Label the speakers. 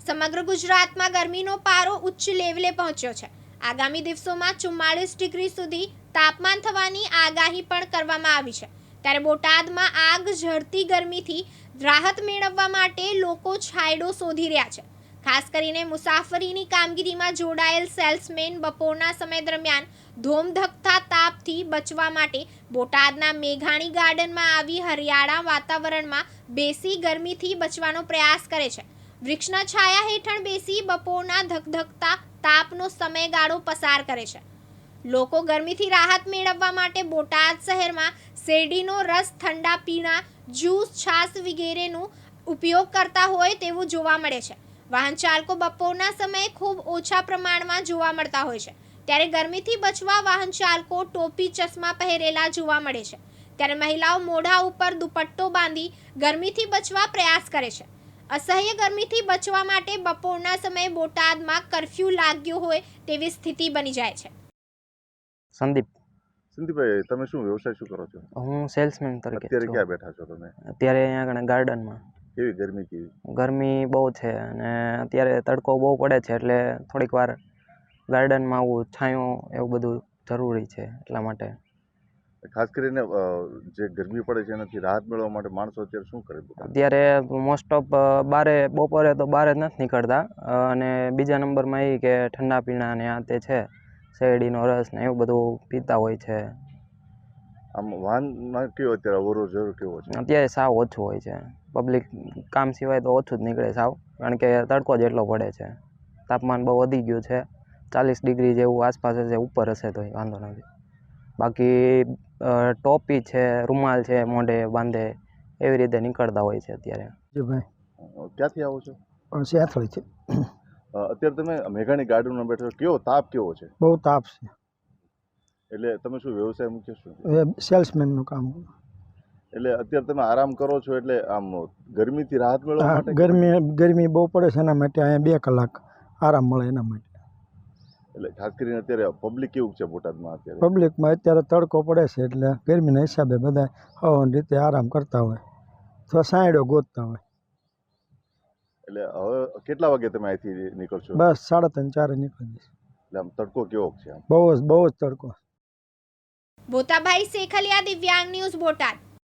Speaker 1: સમગ્ર ગુજરાતમાં ગરમીનો પારો ઉચ્ચ લેવલે પહોંચ્યો છે। આગામી દિવસોમાં 44 ડિગ્રી સુધી તાપમાન થવાની આગાહી પણ કરવામાં આવી છે। ત્યારે બોટાદમાં આગ ઝરતી ગરમીથી રાહત મેળવવા માટે લોકો છાંયડો શોધી રહ્યા છે। ખાસ કરીને મુસાફરીની કામગીરીમાં જોડાયેલ સેલ્સમેન બપોરના સમય દરમિયાન ધોમધખતા તાપથી બચવા માટે બોટાદના મેઘાણી ગાર્ડનમાં આવી હરિયાળા વાતાવરણમાં બેસી ગરમીથી બચવાનો પ્રયાસ કરે છે। વૃક્ષના છાયા હેઠળ બેસી બપોરના ધકધકતા તાપનો સમયગાળો પસાર કરે છે। લોકો ગરમીથી રાહત મેળવવા માટે બોટાદ શહેરમાં શેરડીનો રસ, ઠંડા પીણા, જ્યુસ, છાશ વગેરેનો ઉપયોગ કરતા હોય તેવું જોવા મળે છે। વાહન ચાલકો બપોરના સમયે ખૂબ ઓછા પ્રમાણમાં જોવા મળતા હોય છે। ત્યારે ગરમીથી બચવા વાહન ચાલકો ટોપી, ચશ્મા પહેરેલા જોવા મળે છે। ત્યારે મહિલાઓ મોઢા ઉપર દુપટ્ટો બાંધી ગરમીથી બચવા પ્રયાસ કરે છે। અસહ્ય ગરમીથી બચવા માટે બપોરના સમયે બોટાદમાં કર્ફ્યુ લાગ્યો હોય તેવી સ્થિતિ બની જાય છે।
Speaker 2: સંદીપભાઈ, તમે શું વ્યવસાય શું કરો છો?
Speaker 3: હું સેલ્સમેન તરીકે
Speaker 2: અત્યારે
Speaker 3: છું।
Speaker 2: ક્યાં બેઠા છો તમે?
Speaker 3: અત્યારે અહીંયા આગળ ગાર્ડનમાં।
Speaker 2: કેવી ગરમી કેવી?
Speaker 3: ગરમી બહુ છે અને અત્યારે તડકો બહુ પડે છે, એટલે થોડીક વાર ગાર્ડનમાં આવું છાંયો એવું બધું જરૂરી છે। એટલા માટે
Speaker 2: ખાસ કરીને જે ગરમી પડે છે એનાથી રાહત મેળવવા માટે માણસો અત્યારે શું કરે?
Speaker 3: અત્યારે મોસ્ટ ઓફ બારે બપોરે તો બહાર જ નથી નીકળતા, અને બીજા નંબરમાં એ કે ઠંડા પીણા ને આ તે છે, શેરડીનો રસ ને એવું બધું પીતા હોય છે।
Speaker 2: આમ વાહનમાં કેવો અત્યારે અવરો જવરો કેવો છે?
Speaker 3: અત્યારે સાવ ઓછું હોય છે। પબ્લિક કામ સિવાય તો ઓછું જ નીકળે સાવ, કારણ કે તડકો જ એટલો પડે છે। તાપમાન બહુ વધી ગયું છે, 40 ડિગ્રી જેવું આસપાસ હશે, ઉપર હશે તો વાંધો નથી। બાકી ટોપી છે, રૂમાલ છે, મોઢે બાંધે એવી રીતે નીકળતા હોય છે અત્યારે।
Speaker 2: ક્યાંથી આવો છો?
Speaker 4: સેથળીથી।
Speaker 2: અત્યારે તમે મેઘાણી ગાર્ડનમાં બેઠો છો, કેવો તાપ કેવો છે?
Speaker 4: બહુ તાપ છે,
Speaker 2: એટલે તમે શું વ્યવસાય મુખ્ય શું?
Speaker 4: સેલ્સમેનનું કામ।
Speaker 2: એટલે અત્યારે તમે આરામ કરો છો, એટલે આમ ગરમીથી રાહત મેળવવા માટે?
Speaker 4: ગરમી બહુ પડે છે, એના માટે અહીંયા 2 કલાક આરામ મળે એના માટે।
Speaker 2: એટલે ખાસ કરીને અત્યારે પબ્લિક કેવું છે બોટાદમાં? અત્યારે
Speaker 4: પબ્લિકમાં અત્યારે તડકો પડે છે, એટલે ગરમીના હિસાબે બધા હવાની રીતે આરામ કરતા હોય, તો સાંયડો ગોતતા હોય।
Speaker 2: એટલે હવે કેટલા વાગે તમે અહીંથી નીકળશો?
Speaker 4: બસ 3:30-4 નીકળી જશે।
Speaker 2: એટલે આમ તડકો કેવો છે?
Speaker 4: બહુ જ તડકો।
Speaker 1: બોતાભાઈ શેખલિયા, દિવ્યાંગ ન્યૂઝ, બોટાદ।